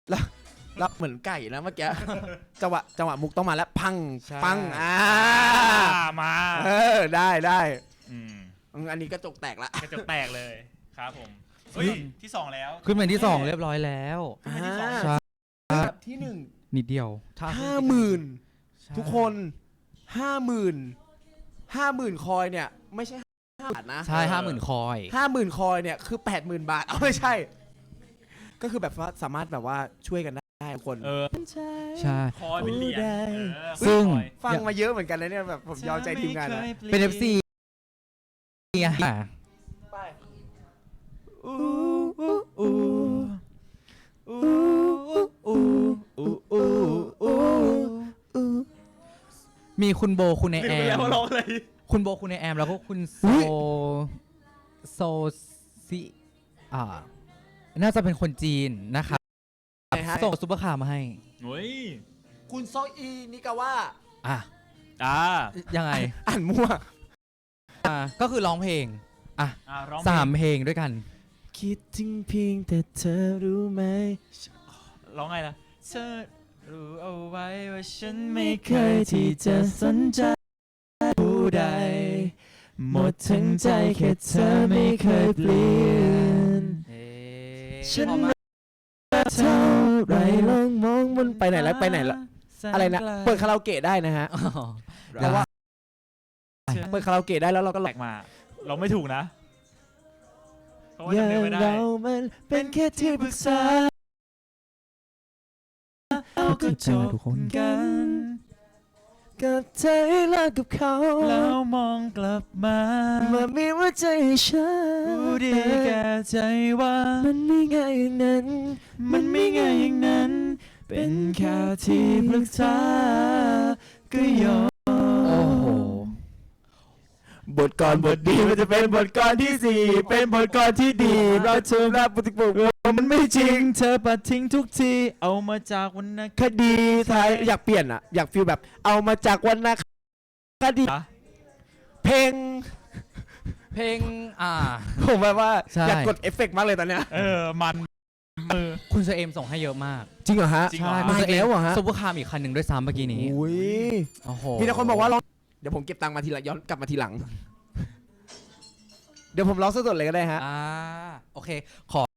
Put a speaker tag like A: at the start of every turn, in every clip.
A: แล้วเหมือนไก่นะเมื่อกี้ จังหวะมุกต้องมาแล้วพังปัง
B: มา
A: ได้
B: อืม
A: อันนี้กระจกแตกละ
B: กระจกแตกเลยครับผมเฮ้ยที่2แล้ว
C: ขึ้นเป็นที่2เรียบร้อยแล้ว
B: ขึ้นเป็นที่2
C: ใช่
A: ที่1
C: นิดเดียว
A: 50,000ทุกคน50,000คอยเนี่ยไม่ใช่5 บาทนะ
C: ใช่50,000 คอย
A: 50,000คอยเนี่ยคือ 80,000 บาทเอาไม่ใช่ก็คือแบบว่าสามารถแบบว่าช่วยกันได้ทุกคน
C: ใช่
B: คอยเป็นเหรียญ
C: ซึ่ง
A: ฟังมาเยอะเหมือนกันนะเนี่ยแบบผมยอมใจทีมงานนะ
C: เป็น FC ไง
A: ไป
C: มีคุณโบคุณไอแอม
B: ร้องอะไร
C: คุณโบคุณไอแอมแล้วก็คุณโซซิน่าจะเป็นคนจีนนะครับส่งซุปเปอร์คาร์มาให้
B: เฮ้ย
A: คุณโซอีนิกาว่า
C: ยังไง
A: อ่านมั่ว
C: ก็คือร้องเพลง
B: ร้อง
C: 3 เพลงด้วยกัน
A: คิดถึงเพียงแต่เธอรู้ไหม
B: ร้องไงล่ะเธอรู้เอาไว้ว่าฉัน
A: ไม่เคยที่จะสนใจผู้ใดหมดทั้งใจแค่เธอไม่เคยเปลี่ยนฉันรักเท่าไรลองมองบนไปไหนแล้วอะไรนะเปิดคาราโอเกะได้นะฮะแต่ว่าเปิดคาราโอเกะได้แล้วเราก็
B: แหลกมาเราไม่ถูกนะเพราะว่า
A: อย่า
B: จำ
A: ง
B: ไม่ได้
A: เรามันเป็นแค่ที่ปรึกษาเราก็จบกันกับเธอให้เลิกกับเขา
B: แล้วมองกลับมา
A: มีว่าใจให้ฉัน
B: รู้ดีแก่ใจว่า
A: มันไม่ง่ายอย่างนั้น
B: มันไม่ง่ายอย่างนั้นเป็นแค่ที่ปรึกษาก็ยอม
C: โอ้โห
A: บทกรบทดีมันจะเป็นบทกรที่4เป็นบทกรที่ดีเราเชื่อรับปฏิบัติมันไม่จริง
B: เธอปัดทิ้งทุกทีเอามาจากวรรณ
A: คดีไทยอยากเปลี่ยนอ่ะอยากฟีลแบบเอามาจากวรรณคดีเพลงผมแบบว่าอยากกดเอฟเฟกต์มากเลยตอนเนี้ย
B: มันมือ
C: คุณเชเอมส่งให้เยอะมาก
A: จริงเหรอฮะ
B: จริงเหรอ
A: มาอีกแล้วเหรอฮะ
C: ซุปเปอร์คาร์อีกคันหนึ่งด้วยซ้ำเมื่อกี้นี้
A: อุ้ย
C: โอ้โห
A: มีแต่คนบอกว่าร้องเดี๋ยวผมเก็บตังค์มาทีละย้อนกลับมาทีหลัง เดี๋ยวผมร้องสดๆเลยก็ได้ฮะ
C: โอเคขอ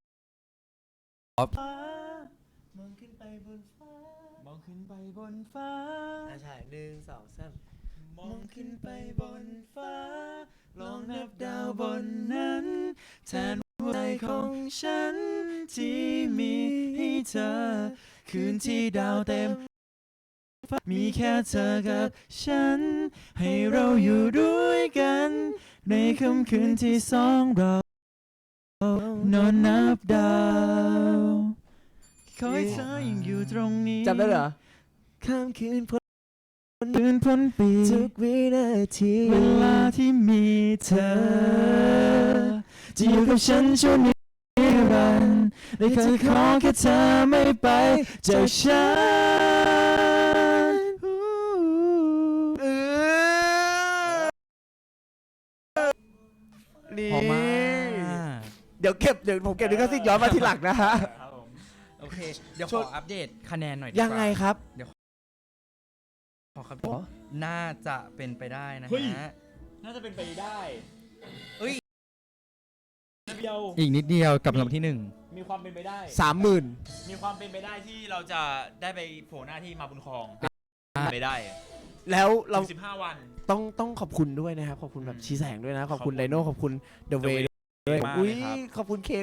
B: มองขึ้นไปบนฟ้ามองขึ้นไปบนฟ้า
A: ใช่1 2 3
B: มองขึ้นไปบนฟ้าลองนับดาวบนนั้นแทนหัวใจของฉันที่มีให้เธอคืนที่ดาวเต็มมีแค่เธอกับฉันให้เราอยู่ด้วยกันในค่ำคืนที่2เรานอนนับดาวขอให้เธอยังอยู่ตรงนี้
A: จำได้เหรอข้ามคืน
B: พ้นปี
A: ทุกวินาที
B: เวลาที่มีเธอจะอยู่กับฉันช่วงนิรันดร์และเคยขอแค่เธอไม่ไปจากฉัน
A: นี่
C: พอมาก
A: เดี๋ยวผมเก็บลิขสิทธิ์ย้อนมาทีหลังนะฮะ
C: โอเค เดี๋ยวขออัปเดตคะแนนหน่อยดีกว่า
A: ยังไงครับ
C: ขอครับน่าจะเป็นไปได้นะ
B: เฮ้ย
C: ฮะ
B: น่าจะเป็นไปได้
C: เอ้ย
B: เดียว
C: อีกนิดเดียวกับลำที่
B: มีความเป็นไปได้
A: 30,000
B: มีความเป็นไปได้ที่เราจะได้ไปโผล่หน้าที่มาบุญครองไปได้
A: แล้วเรา
B: 15 วัน
A: ต้องขอบคุณด้วยนะครับขอบคุณแบบชี้แสงด้วยนะขอบคุณไดโน่ขอบคุณเดอะเวย์ด้วย
B: มาก
A: อุ้ย
B: เลยครับ
A: ขอบคุณเค